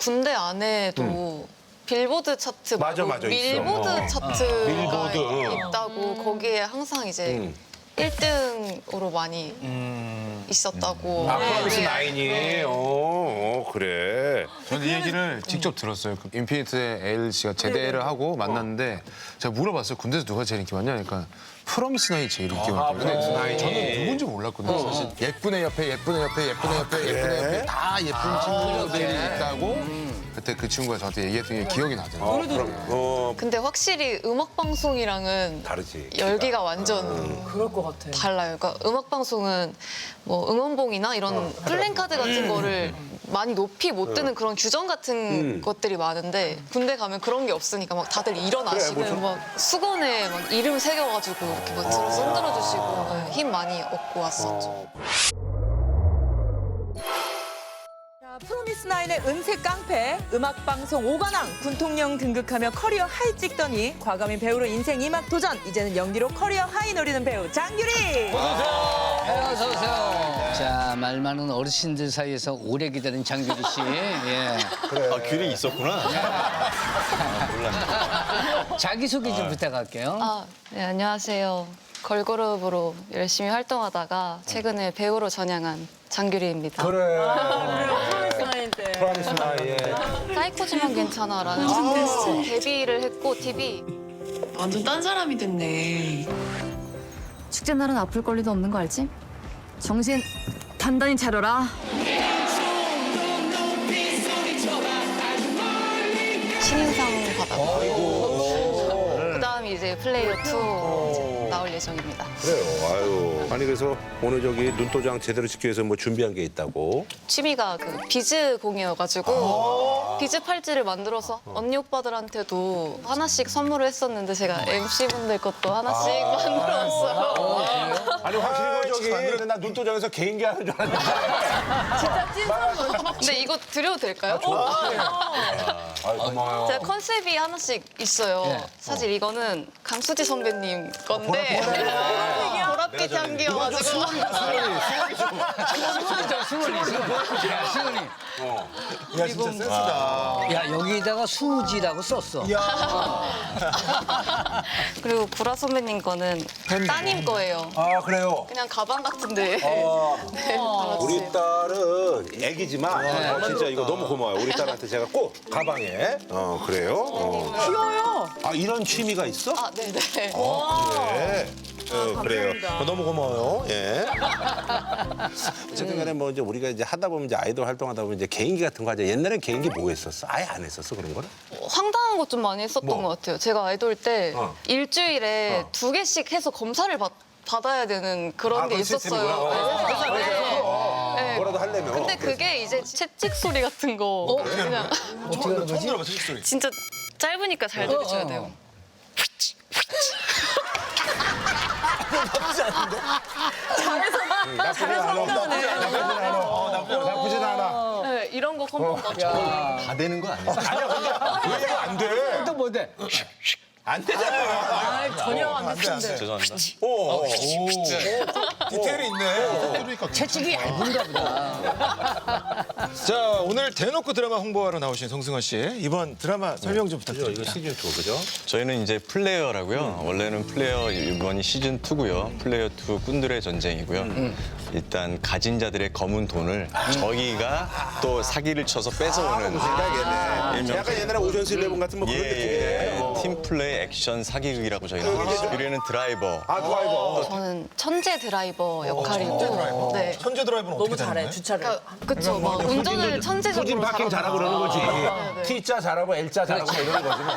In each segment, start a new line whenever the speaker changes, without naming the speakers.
군대 안에도 빌보드 차트
맞아,
말고
맞아, 있어.
밀보드 차트가
밀보드.
있다고 거기에 항상 이제 1등으로 많이 있었다고.
아, 프로미스 나인이. 그래.
저는 이 얘기를 직접 들었어요. 그 인피니트의 에일 씨가 제대를 하고 만났는데 제가 물어봤어요. 군대에서 누가 제일 인기 많냐? 그러니까 프로미스 나인이 제일 인기 많다고.
프로미스 나인이.
저는 누군지 몰랐거든요. 사실 예쁜애 옆에 예쁜애 옆에 예쁜애 옆에 예쁜애 옆에 다 예쁜 친구들이 있다고 그때 그 친구가 저한테 얘기했던 게 기억이 나더라고요.
근데 확실히 음악 방송이랑은
다르지.
열기가 완전
그럴 것 같아.
달라요. 그러니까 음악 방송은 뭐 응원봉이나 이런 플랜카드 같은 거를 많이 높이 못 드는 그런 규정 같은 것들이 많은데 군대 가면 그런 게 없으니까 막 다들 일어나시고 막 수건에 막 이름 새겨가지고 이렇게 막 들어서 흔들어 주시고 네, 힘 많이 얻고 왔었죠.
프로미스나인의 은색 깡패, 음악방송 5관왕, 군통령 등극하며 커리어 하이 찍더니 과감히 배우로 인생 2막 도전, 이제는 연기로 커리어 하이 노리는 배우 장규리!
어서 오세요. 자, 말 많은 어르신들 사이에서 오래 기다린 장규리 씨. 예.
아, 귤이 있었구나. 몰랐네.
자기소개 좀 부탁할게요.
아, 네, 안녕하세요. 걸그룹으로 열심히 활동하다가 최근에 배우로 전향한 장규리입니다.
프로미스나인 때.
프로미스 나인.
사이코지만 괜찮아라는 콘테스트 데뷔를 했고 TV
완전 딴 사람이 됐네.
축제 날은 아플 권리도 없는 거 알지? 정신 단단히 차려라.
신인상 받았고 그다음에 이제 플레이어 2 나올 예정입니다.
그래요. 아유. 아니 그래서 오늘 저기 눈도장 제대로 시키기 위해서 뭐 준비한 게 있다고.
취미가 그 비즈 공이어가지고 비즈 팔찌를 만들어서 언니 오빠들한테도 하나씩 선물을 했었는데 제가 MC분들 것도 하나씩 만들어왔어요.
아니 확실히 저기 나 눈도장에서 개인기 하는 줄 알았는데.
진짜 찐 선물.
근데 이거 드려도 될까요?
아유 고마워요.
제가 컨셉이 하나씩 있어요. 사실 이거는 강수지 선배님 건데 보랏빛 향기여가지고
수원이. 야, 수원이.
야, 진짜 센스다.
야, 여기다가 수지라고 썼어.
그리고 구라 선배님 거는 따님 거예요.
아 그래요.
그냥 가방 같은데. 네,
우리 딸은 애기지만 진짜 이거 너무 고마워요. 우리 딸한테 제가 꼭 가방에. 그래요.
귀여워요.
아 이런 취미가 있어?
아, 네네.
그래. 그래요. 너무 고마워요. 예. 어쨌든 간에 뭐 이제 우리가 이제 하다 보면 이제 아이돌 활동하다 보면 이제 개인기 같은 거 하죠. 옛날엔 개인기 뭐 했었어? 아예 안 했었어 그런 거는?
황당한 것 좀 많이 했었던
뭐?
것 같아요. 제가 아이돌 때 일주일에 2개씩 해서 검사를 받아야 되는 그런 게
그런
있었어요.
시스템이구나.
그래서 네.
뭐라도 하려면.
근데 그게 이제 채찍 소리 같은 거 그냥
어떻게 하는 거지?
들어봐, 소리.
진짜 짧으니까 잘 들으셔야 돼요.
나쁘진 않아.
네, 이런 거 컴퓨터 맞죠?
다 되는 거 아니야?
왜 안 돼?
또 뭔데?
안 되잖아요.
전혀 안 됐는데.
죄송합니다.
디테일이 있네.
채찍이 얇은가 보다.
자, 오늘 대놓고 드라마 홍보하러 나오신 송승헌 씨. 이번 드라마 설명 좀
이거
부탁드립니다.
시즌 2 그죠?
저희는 이제 플레이어라고요. 원래는 플레이어 이번이 시즌 2고요. 플레이어 2 꾼들의 전쟁이고요. 일단 가진 자들의 검은 돈을 저희가 또 사기를 쳐서 뺏어오는
생각이네. 약간 옛날에 오션스 11 같은 뭐 그런 느낌이네.
팀 플레이 액션 사기극이라고 저희는 하고 유리는 드라이버.
아 드라이버.
저는 천재 드라이버 역할이고, 네.
천재 드라이버는 어떻게
너무
되는
잘해,
거예요?
주차를.
그쵸, 막 운전을 천재적으로
후진 파킹 잘하고 그러는 거지.
네.
T자 잘하고 L자 잘하고 뭐 이런 거지 뭐.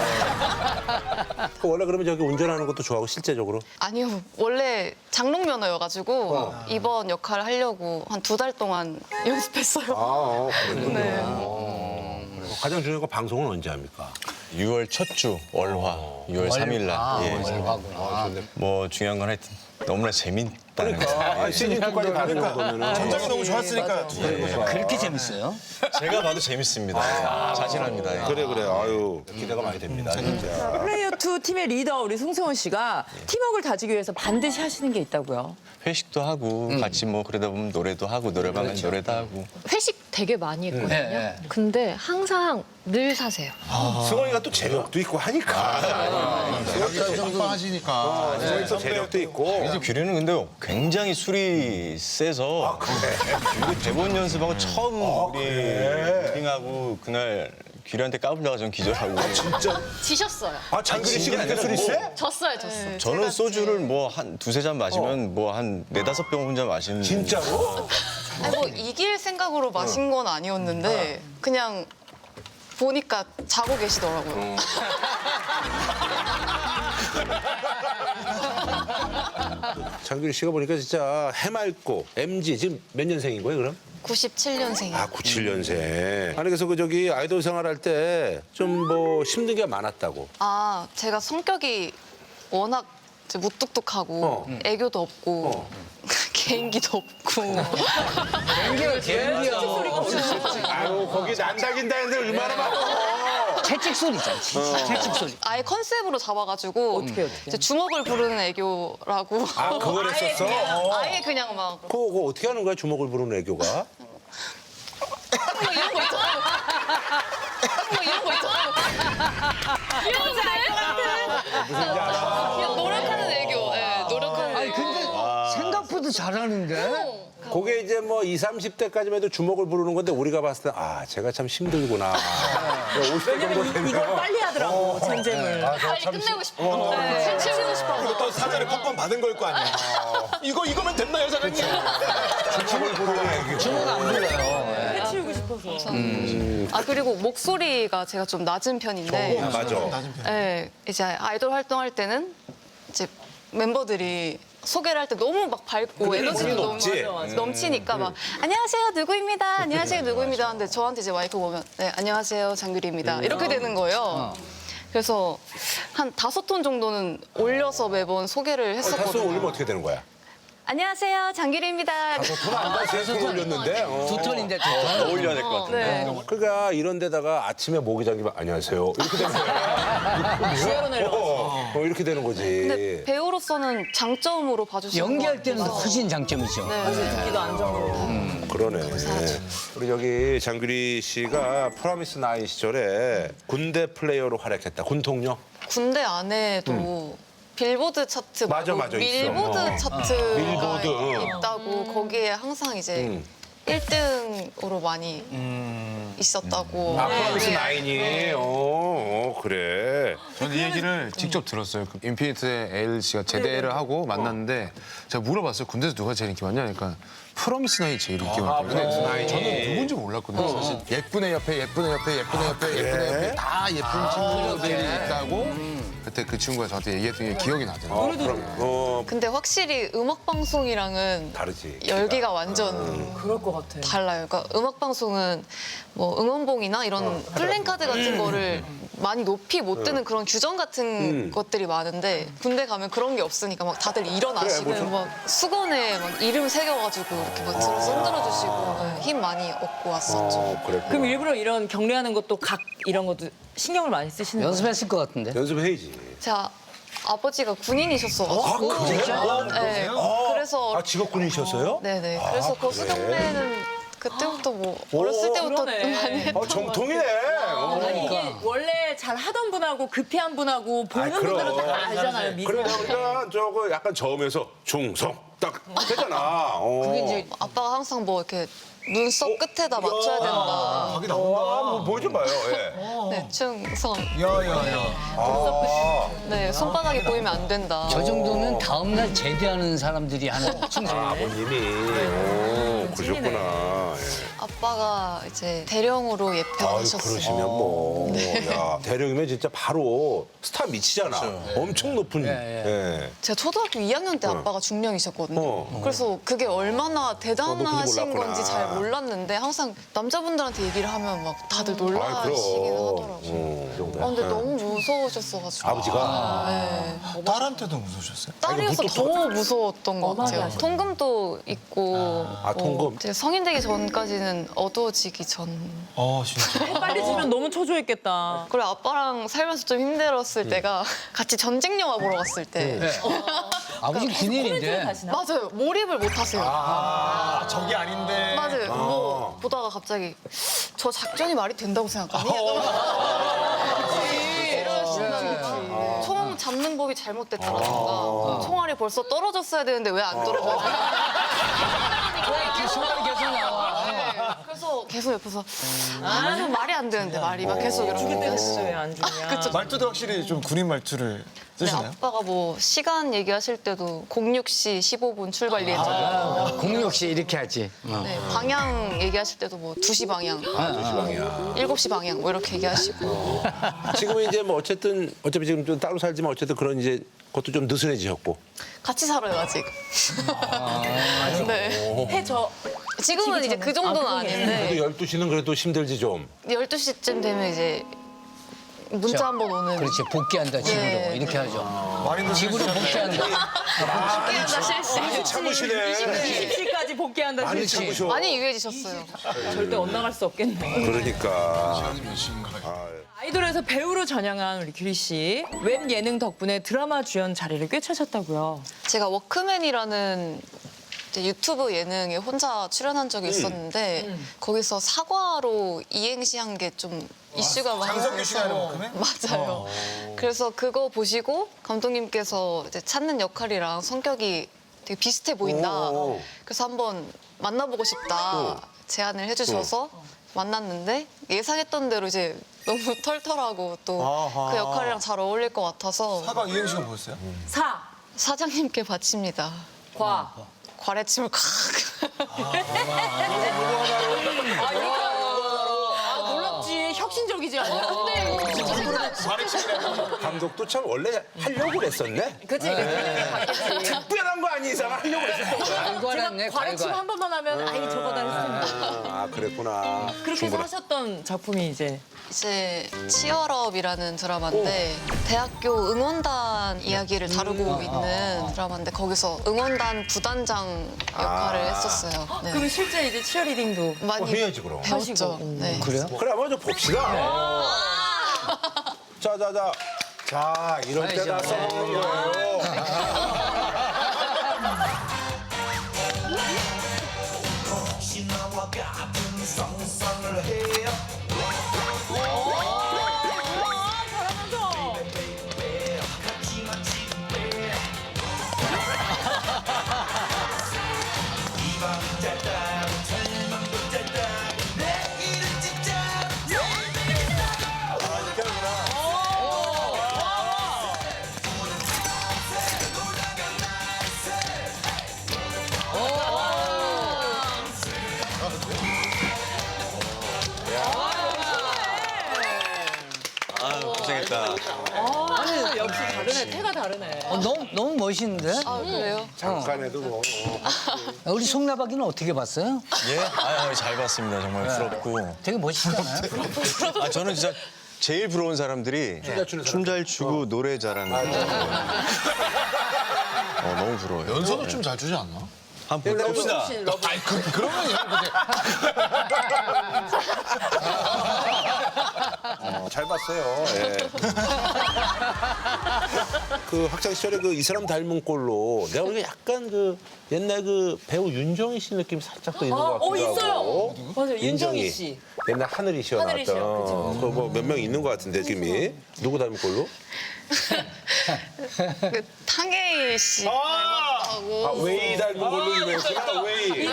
원래 그러면 저기 운전하는 것도 좋아하고 실제적으로?
아니요, 원래 장롱면허여가지고 이번 역할 하려고 한 2달 동안 연습했어요.
그렇군요.
네.
가장 중요한 건 방송은 언제 합니까?
6월 첫 주 월화, 6월 3일 날. 예.
월화구나.
뭐 중요한 건 하여튼 너무나 있다는 거죠.
아, 시즌 2까지 가는 정도면은.
전작이 너무 좋았으니까.
그렇게 재밌어요?
제가 봐도 재밌습니다. 자신합니다. 예.
그래. 아유, 기대가 많이 됩니다, 진짜.
플레이어 2 팀의 리더 우리 송승헌 씨가 팀워크를 다지기 위해서 반드시 하시는 게 있다고요.
회식도 하고 같이 뭐 그러다 보면 노래도 하고 노래방은 노래도 하고.
회식 되게 많이 했거든요.
네.
근데 항상 늘 사세요.
승원이가 또 재력도 있고 하니까.
빵빵하시니까.
승원이 또 재력도 있고.
이제 규리는 근데 굉장히 술이 세서 그리고 대본 연습하고 처음 우리 미팅하고 그날 규리한테 까불다가 전 기절하고.
진짜.
지셨어요.
아, 장규리 씨가 그렇게 술이 세?
졌어요.
저는 소주를 뭐 한 두세 잔 마시면 뭐 한 네다섯 병 혼자 마시는.
진짜로?
아니, 뭐 이길 생각으로 마신 건 아니었는데 그냥 보니까 자고 계시더라고요.
장규리 씨가 보니까 진짜 해맑고 MG 지금 몇 년생인 거예요, 그럼?
97년생이에요.
아, 97년생. 아니, 그래서 그 저기 아이돌 생활할 때 좀 뭐 힘든 게 많았다고.
아, 제가 성격이 워낙 이제 무뚝뚝하고 애교도 없고 개인기도 없고
아유, 거기 난다긴다 했는데 얼마나 많아.
채찍 소리잖아. 채찍 소리.
아예 컨셉으로 잡아가지고
어떻게?
이제 주먹을 부르는 애교라고
아, 그걸 했었어?
아예 그냥 막
그거 어떻게 하는 거야, 주먹을 부르는 애교가?
뭐 이런 거 있잖아요. 뭐 이런 거 있잖아요.
뭔지 알 것 같아.
그냥 노력하는 애교. 예, 노력하는
아니
애교.
근데 생각보다 잘하는데.
그게 이제 뭐 20, 30대까지만 해도 주먹을 부르는 건데 우리가 봤을 때 아, 제가 참 힘들구나. 50대 정도 되면.
이걸 빨리 하더라고, 젠잼을.
빨리 끝내고 싶어. 술 치우고 싶어서.
또 사전에 컵밥 받은 걸 거 아니야. 이거면 됐나요, 사장님?
주먹을 부르는 애교.
주먹 안 불러요.
해치우고 싶어서.
아 그리고 목소리가 제가 좀 낮은 편인데
맞아.
네, 이제 아이돌 활동할 때는 이제 멤버들이 소개를 할 때 너무 막 밝고 에너지도 너무
높지?
넘치니까 막 안녕하세요 누구입니다 안녕하세요 누구입니다 하는데 저한테 이제 마이크 보면 네 안녕하세요 장규리입니다 이렇게 되는 거예요. 그래서 한 5톤 정도는 올려서 매번 소개를
다소
했었거든요.
올리면 어떻게 되는 거야?
안녕하세요 장규리입니다.
돈안 가서 돈 올렸는데.
두 톤인데 두 톤.
어울려야 될 것 같은데.
네.
그러니까 이런 데다가 아침에 모기 잠기면 안녕하세요. 이렇게 되는 거야.
지하로 내려가서.
이렇게 되는 거지.
근데 배우로서는 장점으로 봐주시는
연기할
것
때는
같아서.
훨씬 장점이죠.
네.
듣기도 안정으로.
그러네. 우리 여기 장규리 씨가 프로미스 나인 시절에 군대 플레이어로 활약했다. 군통령?
군대 안에도 빌보드 차트
맞아,
말고
맞아, 있어.
밀보드 차트가
밀보드,
있다고 거기에 항상 이제 1등으로 많이 있었다고.
아, 프로미스 나인이. 그래.
저는 이 얘기를 직접 들었어요. 그 인피니트의 에일 씨가 제대를 하고 만났는데 제가 물어봤어요. 군대에서 누가 제일 인기 많냐? 그러니까 프로미스 나인이 제일 인기 많대요.
프로미스 나인이.
저는 누군지 몰랐거든요. 사실 예쁜애 옆에 예쁜애 옆에 예쁜애 옆에 예쁜애 옆에 다 예쁜 친구들이 있다고 그때 그 친구가 저한테 얘기했던 게 기억이 나더라고요.
근데 확실히 음악 방송이랑은
다르지.
열기가 완전
그럴 것 같아.
달라요. 그러니까 음악 방송은 뭐 응원봉이나 이런 플랜카드 같은 거를 많이 높이 못 드는 그런 규정 같은 것들이 많은데 군대 가면 그런 게 없으니까 막 다들 일어나시고 막 수건에 막 이름 새겨가지고 이렇게 막 들어서 흔들어주시고 네, 힘 많이 얻고 왔었죠.
그랬구나.
그럼 일부러 이런 격려하는 것도 각 이런 것도 신경을 많이 쓰시는 거예요?
연습했을 것 같은데.
연습해야지.
제가 아버지가 군인이셨어가지고 네, 그래서
아, 직업군이셨어요?
네네. 그래서 그 수경대는 그때부터 뭐 어렸을 때부터
그러네.
많이 했던 것
정통이네.
아니 이게 원래 잘 하던 분하고 급해한 분하고 보는
아이, 그럼.
분들은 다 알잖아요. 미소.
그래, 우리가 저거 약간 저음에서 중성 딱 되잖아.
그게 이제
아빠가 항상 뭐 이렇게 눈썹 끝에다 맞춰야 된다.
거기 나온다.
한번 보여줘봐요. 예.
네, 충성.
야야야.
네, 손바닥이 보이면 안 된다.
저 정도면 다음날 제대하는 사람들이 하는 충성.
아버님이. 그러셨구나. 예.
아빠가 이제 대령으로 예표가
아유,
되셨어요.
그러시면 뭐. 야, 대령이면 진짜 바로 스타 미치잖아. 엄청 높은. 예.
제가 초등학교 2학년 때 아빠가 중령이셨거든요. 그래서 그게 얼마나
그것도
대단하신
몰랐구나.
건지 잘 몰랐는데 항상 남자분들한테 얘기를 하면 막 다들
아이, 그럼.
놀라시긴 하더라고요.
그 정도야.
근데 너무 무서우셨어가지고.
아버지가?
네.
딸한테도 무서우셨어요?
딸이어서 더 무서웠던 것 같아요. 통금도 있고.
통금?
제가 성인 되기 전까지는 어두워지기 전.
진짜.
빨리 주면 너무 초조했겠다.
그리고 아빠랑 살면서 좀 힘들었을 때가 같이 전쟁 영화 보러 갔을 때.
아버지 군인인데.
맞아요. 몰입을 못 하세요.
저게 아닌데.
맞아요. 뭐 보다가 갑자기 저 작전이 말이 된다고 생각하니? 이러시면 총 잡는 법이 잘못됐다던가 총알이 벌써 떨어졌어야 되는데 왜 안 떨어져?
순간이 계속 나와.
그래서 계속 옆에서 좀 말이 안 되는데 말이 막 계속 이렇게
했어요, 안 주면.
말투도 확실히 좀 군인 말투를
네,
쓰시나요?
아빠가 뭐 시간 얘기하실 때도 06시 15분 출발 예정.
공역시 이렇게 하지.
네, 방향 얘기하실 때도 뭐 2시 방향, 7시 방향 뭐 이렇게 얘기하시고.
지금은 이제 뭐 어차피 지금 좀 따로 살지만 어쨌든 그런 이제 그것도 좀 느슨해지셨고.
같이 살아요 아직. 네.
해저
지금은 이제 그 정도는 아닌데
그래도 12시는 그래도 힘들지 좀.
12시쯤 되면 이제 문자 한 번 오는.
그렇지, 복귀한다, 집으로.
네.
이렇게 하죠.
마린도
집으로 복귀한다.
복귀한다 실시.
많이 참으시네.
20시까지 복귀한다.
많이
실시.
참으셔.
많이 유해지셨어요.
절대 엇나갈 수 없겠네.
그러니까.
아이돌에서 배우로 전향한 우리 규리 씨. 웹 예능 덕분에 드라마 주연 자리를 꿰차셨다고요.
제가 워크맨이라는 이제 유튜브 예능에 혼자 출연한 적이 있었는데 거기서 사과로 이행시 한 게 좀 이슈가 많이
장성규 씨가 하는
돼서.
워크맨?
맞아요. 그래서 그거 보시고 감독님께서 이제 찾는 역할이랑 성격이 되게 비슷해 보인다. 그래서 한번 만나보고 싶다 제안을 해주셔서 만났는데 예상했던 대로 이제 너무 털털하고 또 그 역할이랑 잘 어울릴 것 같아서
사과 이행시가 뭐였어요?
사장님께 바칩니다.
과.
과래침을 콱.
놀랍지. 혁신적이지 않아? 근데
감독도 참 원래 하려고 그랬었네.
그치.
특별한 거 아닌 이상 하려고 그랬었던 거야.
갈관했네,
과래침
갈관.
한 번만 하면 아이 저거다 했습니다.
아, 그랬구나.
그렇게 해서 하셨던 작품이 이제
이제 치얼업이라는 드라마인데 대학교 응원단 이야기를 다루고 있는 드라마인데 거기서 응원단 부단장 역할을 했었어요. 네.
그럼 실제 이제 치어리딩도
많이
해야지, 그럼.
배웠죠. 네.
그래요?
그래, 한번 좀 봅시다. 자. 자, 이럴 때 다 써먹는 거예요.
아유, 고생했다.
역시 다르네. 태가 다르네.
너무 멋있는데?
아 그래요?
잠깐에도 뭐.
우리 송나박이는 어떻게 봤어요?
예? 잘 봤습니다. 정말 부럽고.
되게 멋있잖아요.
저는 진짜 제일 부러운 사람들이 춤 잘 추고 노래 잘하는 사람들. 너무 부러워요.
연서도 좀 잘 주지 않나?
한번 봅시다.
아니, 그러면 형 근데
잘 봤어요. 예. 그 학창 시절에 그 이 사람 닮은 꼴로 내가 보기에 약간 그 옛날 그 배우 윤정희 씨 느낌 살짝 또 있는 것 같기도
있어요.
하고.
맞아요. 윤정희 씨.
옛날 하늘이 씨어
하늘이 씨요,
나왔던. 그 뭐 몇 명 있는 것 같은데 지금이 누구 닮은 꼴로?
그 탕웨이 씨 닮았다고.
아, 웨이 닮은 걸로 유명했구나. 웨이. 웨이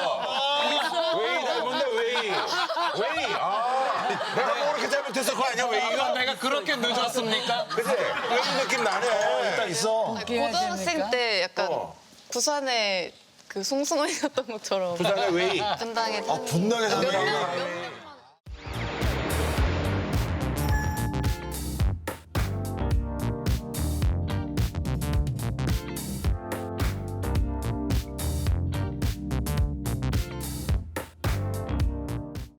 닮은데 웨이. 웨이. 내가 뭐 그렇게 잘못해서 그거 아니야 웨이가?
내가 그렇게 늦었습니까?
그치? 웨이 느낌 나네.
있어.
고등학생 때 약간 부산에 그 송승헌이 갔던 것처럼
부산의 웨이.
분당에
분당에 사는
몇